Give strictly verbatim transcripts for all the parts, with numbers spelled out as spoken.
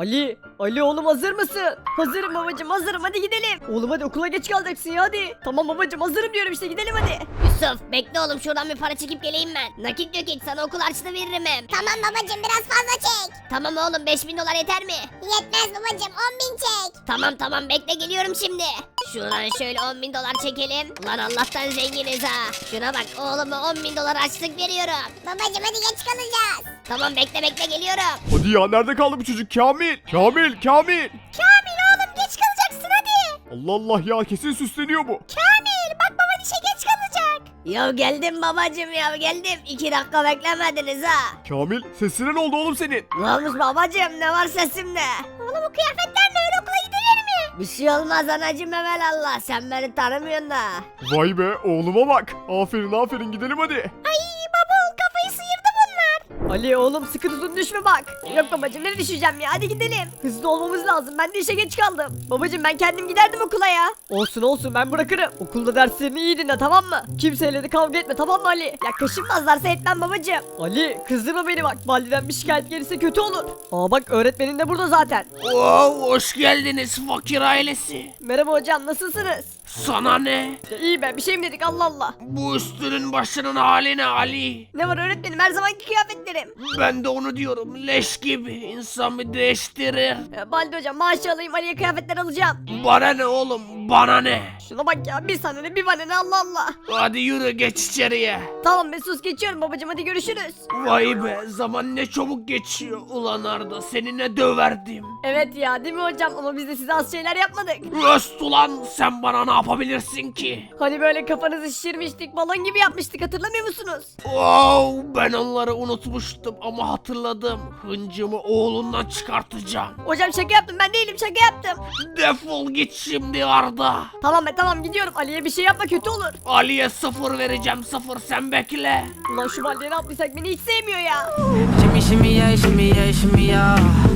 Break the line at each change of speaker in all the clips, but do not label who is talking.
Ali, Ali oğlum hazır mısın? Hazırım babacım, hazırım, hadi gidelim. Oğlum hadi okula geç kalacaksın ya, hadi. Tamam babacım, hazırım diyorum işte, gidelim hadi.
Yusuf bekle oğlum, şuradan bir para çekip geleyim ben. Nakit yok hiç, sana okul harçlığı veririm hem.
Tamam babacım, biraz fazla çek.
Tamam oğlum, beş bin dolar yeter mi?
Yetmez babacım, on bin çek.
Tamam tamam, bekle geliyorum şimdi. Şuradan şöyle on bin dolar çekelim. Ulan Allah'tan zenginiz ha. Şuna bak, oğluma on bin dolar harçlık veriyorum.
Babacım hadi geç kalacağız.
Tamam bekle bekle geliyorum.
Hadi ya, nerede kaldı bu çocuk? Kamil! Kamil! Kamil!
Kamil oğlum, geç kalacaksın hadi.
Allah Allah ya, kesin süsleniyor bu.
Kamil bak, baban işe geç kalacak.
Ya geldim babacım, ya geldim. İki dakika beklemediniz ha.
Kamil, sesine ne oldu oğlum senin?
Ne olmuş babacım, ne var sesimde?
Oğlum bu kıyafetlerle öyle okula gidilir mi?
Bir şey olmaz anacım, evelallah. Sen beni tanımıyorsun da.
Vay be, oğluma bak. Aferin aferin, gidelim hadi.
Ay baba, oğul kafayı sıyırdı bunlar.
Ali oğlum sıkı tutun, düşme bak. Yok babacım, nereye düşeceğim ya, hadi gidelim. Hızlı olmamız lazım, ben de işe geç kaldım. Babacım ben kendim giderdim okula ya. Olsun olsun, ben bırakırım. Okulda derslerini iyi dinle, tamam mı? Kimseyle de kavga etme, tamam mı Ali? Ya kaşınmazlarsa etmem babacım. Ali kızdırma beni bak, validen bir şikayet gelirse kötü olur. Aa bak, öğretmenin de burada zaten.
Wow, hoş geldiniz fakir ailesi.
Merhaba hocam, nasılsınız?
Sana ne?
Ya iyi be, bir şey mi dedik, Allah Allah.
Bu üstünün başının hali ne Ali?
Ne var öğretmenim, her zamanki kıyafetlerim.
Ben de onu diyorum, leş gibi. İnsan bir değiştirir.
Ya, Baldi hocam maaşı alayım, Ali'ye kıyafetler alacağım.
Bana ne oğlum, bana ne?
Şuna bak ya, bir sana ne bir bana ne, Allah Allah.
Hadi yürü, geç içeriye.
Tamam be, sus, geçiyorum babacım, hadi görüşürüz.
Vay be, zaman ne çabuk geçiyor. Ulan Arda, seni ne döverdim.
Evet ya, değil mi hocam, ama biz de size az şeyler yapmadık.
Öst ulan, sen bana ne yapabilirsin ki?
Hani böyle kafanızı şişirmiştik, balon gibi yapmıştık, hatırlamıyor musunuz?
Wow, ben onları unutmuştum ama hatırladım. Hıncımı oğlundan çıkartacağım.
Hocam şaka yaptım, ben değilim, şaka yaptım.
Defol git şimdi Arda.
Tamam be tamam, gidiyorum, Ali'ye bir şey yapma, kötü olur.
Ali'ye sıfır vereceğim, sıfır, sen bekle.
Ulan şu Baldi'ye ne yaptıysak beni hiç sevmiyor ya.
Shimmy, shimmy, yeah, shimmy, yeah, shimmy, yeah.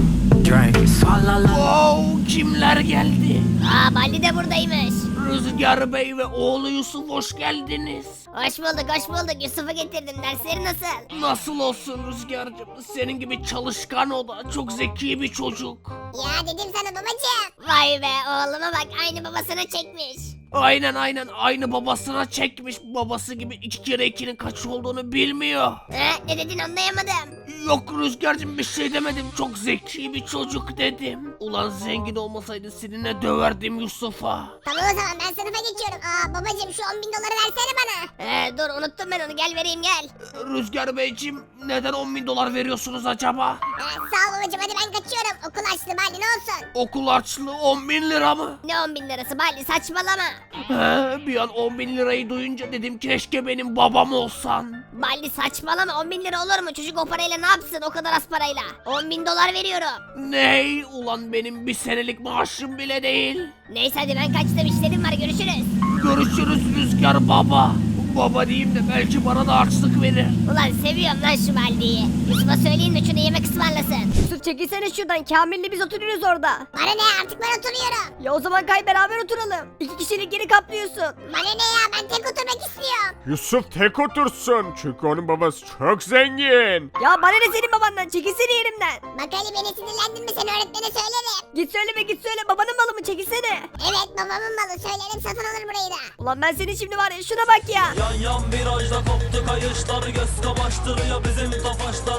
Drink. Swalla la.
Wow, kimler geldi?
Aa, Baldi de buradaymış.
Rüzgar Bey ve oğlu Yusuf, hoş geldiniz.
Hoş bulduk hoş bulduk, Yusuf'u getirdim. Dersleri nasıl?
Nasıl olsun Rüzgar'cığım, senin gibi çalışkan, o da çok zeki bir çocuk.
Ya dedim sana babacım.
Vay be, oğluma bak, aynı babasına çekmiş.
Aynen aynen, aynı babasına çekmiş. Babası gibi iki kere ikinin kaç olduğunu bilmiyor.
He, ne dedin anlayamadım.
Yok Rüzgar'cığım, bir şey demedim, çok zeki bir çocuk dedim. Ulan zengin olmasaydı seninle döverdim Yusuf'a.
Tamam o zaman, ben sınıfa geçiyorum. Aa babacım, şu on bin doları versene bana.
He, dur unuttum ben onu, gel vereyim gel.
Rüzgar Beyciğim, neden on bin dolar veriyorsunuz acaba?
Ee, sağ ol babacım, hadi ben kaçıyorum. Okul açtı bari, ne olsun.
Okul harçlığı on bin lira mı?
Ne on bin lirası Baldi, saçmalama.
He, bir an on bin lirayı duyunca dedim keşke benim babam olsan.
Baldi saçmalama, on bin lira olur mu? Çocuk o parayla ne yapsın, o kadar az parayla? on bin dolar veriyorum.
Ney? Ulan benim bir senelik maaşım bile değil.
Neyse hadi ben kaçtım, işlerim var, görüşürüz.
Görüşürüz Rüzgar baba. Baba diyeyim de belki bana da harçlık verir.
Ulan seviyorum lan şu Baldi'yi. Yusuf'a söyleyin de şunu yemek ısmarlasın.
Yusuf çekilsene şuradan, Kamil'le biz oturuyoruz orada.
Bana ne, artık ben oturuyorum.
Ya o zaman kay, beraber oturalım. İki kişilik yeri kaplıyorsun.
Bana ne ya, ben tek oturmak istiyorum.
Yusuf tek otursun, çünkü onun babası çok zengin.
Ya bana ne senin babandan, çekilsene yerimden.
Bak Ali, beni sinirlendirme, sen öğretmene söylerim.
Git söyleme, git söyle, babanın malı mı, çekilsene.
Evet babamın malı, söylerim, satın alır burayı da.
Ulan ben seni şimdi var ya, şuna bak ya.
Yan yan virajda koptu kayışlar, göz kamaştırıyor bizim tofaşlar.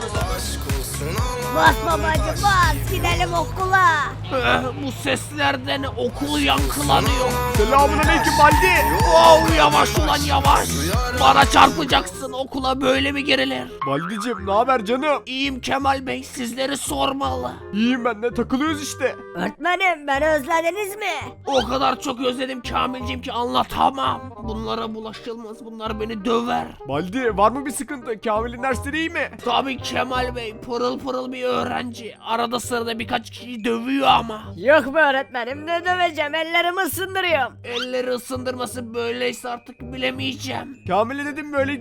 Bas babacım bas, gidelim okula.
Eh, bu seslerden okul yankılanıyor.
Selamun aleyküm Baldi.
Wow, yavaş ulan yavaş. Bana çarpacaksın, okula böyle mi girilir?
Baldi'cim ne haber canım?
İyiyim Kemal Bey, sizleri sormalı.
İyiyim ben de, takılıyoruz işte.
Öğretmenim, beni özlediniz mi?
O kadar çok özledim Kamilciğim ki anlatamam. Bunlara bulaşılmaz, bunlar beni döver.
Baldi, var mı bir sıkıntı? Kamil'in dersleri iyi mi?
Tabii Kemal Bey, pırıl pırıl bir öğrenci. Arada sırada birkaç kişi dövüyor ama.
Yok be öğretmenim, ne döveceğim, ellerimi ısındırıyorum.
Elleri ısındırması böyleyse artık bilemeyeceğim.
Kamil'e dedim böyle giyinme, illa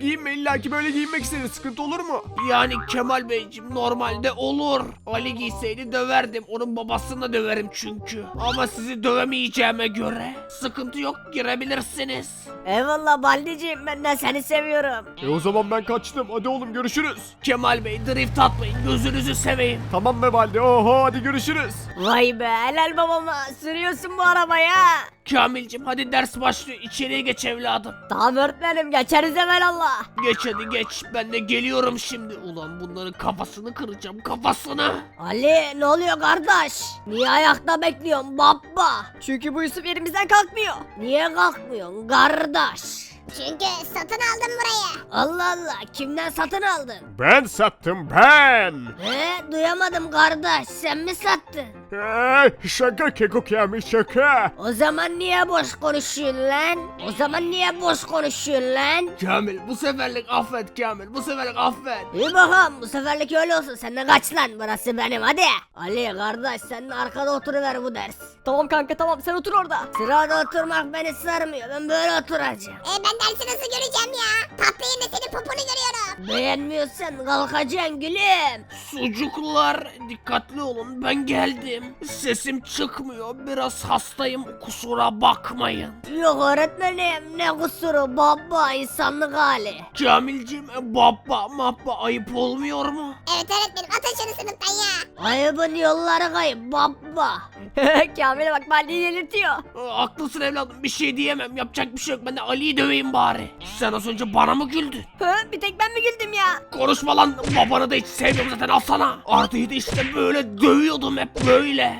illaki böyle giyinmek istedi. Sıkıntı olur mu?
Yani Kemal Beyciğim normalde olur. Ali giyseydi döverdim. Onun babasını da döverim çünkü. Ama sizi dövemeyeceğime göre sıkıntı yok, girebilirsiniz.
Eyvallah Baldi'ciğim ben de seni seviyorum.
E o zaman ben kaçtım. Hadi oğlum görüşürüz.
Kemal Bey drift atmayın, gözünüzü seveyim.
Tamam be Baldi. Oho hadi görüşürüz.
Vay be helal babama sürüyorsun bu arabaya.
Kamilcim hadi ders başlıyor, içeriye geç evladım.
Tamam öğretmenim geçeriz hemen Allah.
Geç hadi geç, ben de geliyorum şimdi. Ulan bunların kafasını kıracağım, kafasını.
Ali ne oluyor kardeş? Niye ayakta bekliyorsun baba? Çünkü bu Yusuf yerimizden kalkmıyor. Niye kalkmıyorsun kardeş?
Çünkü satın aldım burayı.
Allah Allah kimden satın aldın?
Ben sattım ben.
He duyamadım kardeş sen mi sattın?
Ee, şaka Keko Kamil şaka.
O zaman niye boş konuşuyorsun lan? O zaman niye boş konuşuyorsun lan?
Kamil bu seferlik affet Kamil, bu seferlik affet.
İyi bakalım bu seferlik öyle olsun sen de kaç lan burası benim hadi. Ali kardeş sen de arkada oturuver bu ders. Tamam kanka tamam sen otur orada. Sırada oturmak beni sarmıyor ben böyle oturacağım.
E ben dersi nasıl göreceğim ya? Tatlı yerine senin poponu görüyorum.
Beğenmiyorsan kalkacaksın gülüm.
Sucuklar dikkatli olun, ben geldim. Sesim çıkmıyor, biraz hastayım, kusura bakmayın.
Yok öğretmenim ne kusuru baba insanlık hali.
Kamilcim baba mabba ayıp olmuyor mu?
Evet öğretmenim atın şunu sınıftan ya.
Ayıbın yolları kayıp baba. Kamil'e bak Baldi'yi delirtiyor.
Aa, haklısın evladım, bir şey diyemem, yapacak bir şey yok, ben de Ali'yi döveyim bari. Sen az önce bana mı güldün?
Hı, bir tek ben mi güldüm ya?
Konuşma lan, babanı da hiç sevmiyorum zaten, alsana. Arda'yı da işte böyle dövüyordum, hep böyle.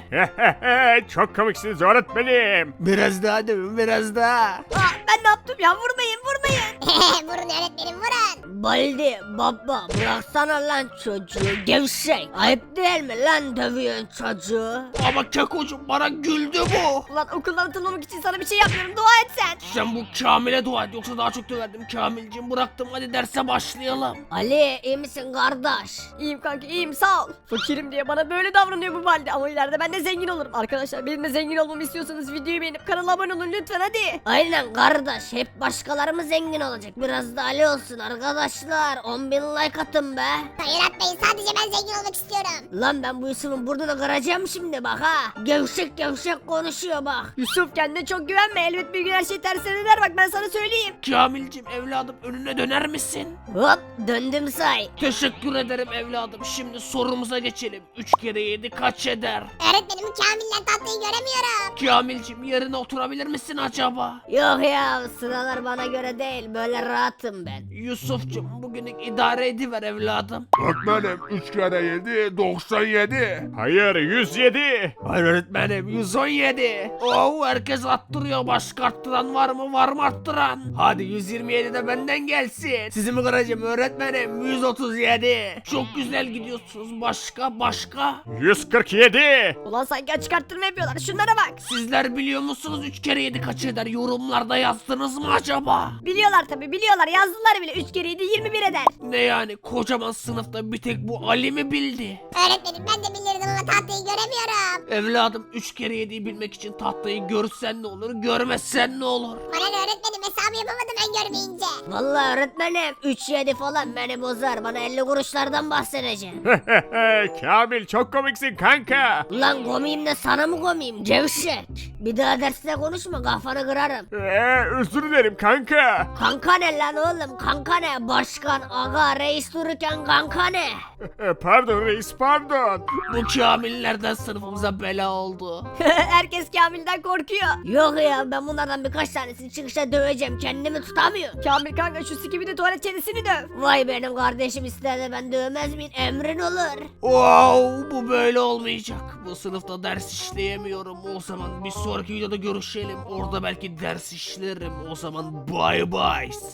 Çok komiksiniz öğretmenim.
Biraz daha dövün, biraz daha.
Aa, ben ne yaptım ya vurmayın vurmayın.
Vurun öğretmenim vurun.
Baldi baba bıraksana lan çocuğu gevşek. Ayıp değil mi lan dövüyorsun çocuğu?
Ama Kekocuğum bana güldü bu.
Ulan okuldan atılmamak için sana bir şey yapmıyorum dua et sen.
Sen bu Kamil'e dua et, yoksa daha çok döverdim. Kamilciğim bıraktım, hadi derse başlayalım.
Ali iyi misin kardeş? İyiyim kanka iyiyim sağ ol. Fakirim diye bana böyle davranıyor bu Baldi ama ileride ben de zengin olurum. Arkadaşlar benim de zengin olmamı istiyorsanız videoyu beğenip kanala abone olun lütfen hadi. Aynen kardeş hep başkaları mı zengin olacak biraz da Ali olsun arkadaşlar. on bin like atın be.
Hayır atmayın sadece ben zengin olmak istiyorum.
Lan ben bu Yusuf'un burnunu kıracağım şimdi bak ha. Gevşek gevşek konuşuyor bak. Yusuf kendine çok güvenme elbet bir gün her şey tersine döner bak ben sana söyleyeyim.
Kamilciğim evladım, önüne döner misin?
Hop döndüm say.
Teşekkür ederim evladım. Şimdi sorumuza geçelim. üç kere yedi kaç eder?
Öğretmenim Kamil'le tatlıyı göremiyorum.
Kamilciğim yerine oturabilir misin acaba?
Yok ya sıralar bana göre değil böyle rahatım ben.
Yusuf'cum bugünlük idare ediver evladım.
Öğretmenim üç kere yedi doksan yedi. Hayır yüz yedi.
Hayır öğretmenim yüz on yedi. Oo herkes attırıyor. Başka arttıran var mı? Var mı arttıran? Hadi yüz yirmi yedi de benden gelsin. Sizi mi kıracağım öğretmenim? yüz otuz yedi. Çok güzel gidiyorsunuz. Başka başka?
yüz kırk yedi.
Ulan sanki açık arttırma yapıyorlar şunlara bak.
Sizler biliyor musunuz üç kere yedi kaç eder? Yorumlarda yazdınız mı acaba?
Biliyorlar tabi biliyorlar yazdılar bile üç kere yedi yirmi bir eder.
Ne yani kocaman sınıfta bir tek bu Ali mi bildi?
Öğretmenim ben de bilirdim ama tatlıyı göremiyorum.
Evladım üç kere yediyi bilmek için tahtayı görsen ne olur, görmezsen ne olur?
Bana ne öğretmenim hesabı yapamadım ben görmeyince.
Vallahi öğretmenim üç yedi falan beni bozar bana elli kuruşlardan bahsedeceğim.
Kamil çok komiksin kanka.
Ulan komiyim de sana mı komiyim gevşek. Bir daha derste konuşma kafanı kırarım.
Ee, özür dilerim kanka.
Kanka ne lan oğlum kanka ne başkan aga reis dururken kanka ne?
Ee, pardon reis pardon.
Bu kamillerden sınıfımıza bela oldu.
Herkes Kamil'den korkuyor. Yok ya ben bunlardan birkaç tanesini çıkışta döveceğim kendimi tutamıyorum. Kamil kanka şu sikimi de tuvalet çenesini döv. Vay benim kardeşim ister de ben dövmez miyim emrin olur.
Wow bu böyle olmayacak. Bu sınıfta ders işleyemiyorum. O zaman bir sonraki videoda görüşelim. Orada belki ders işlerim. O zaman bye bye.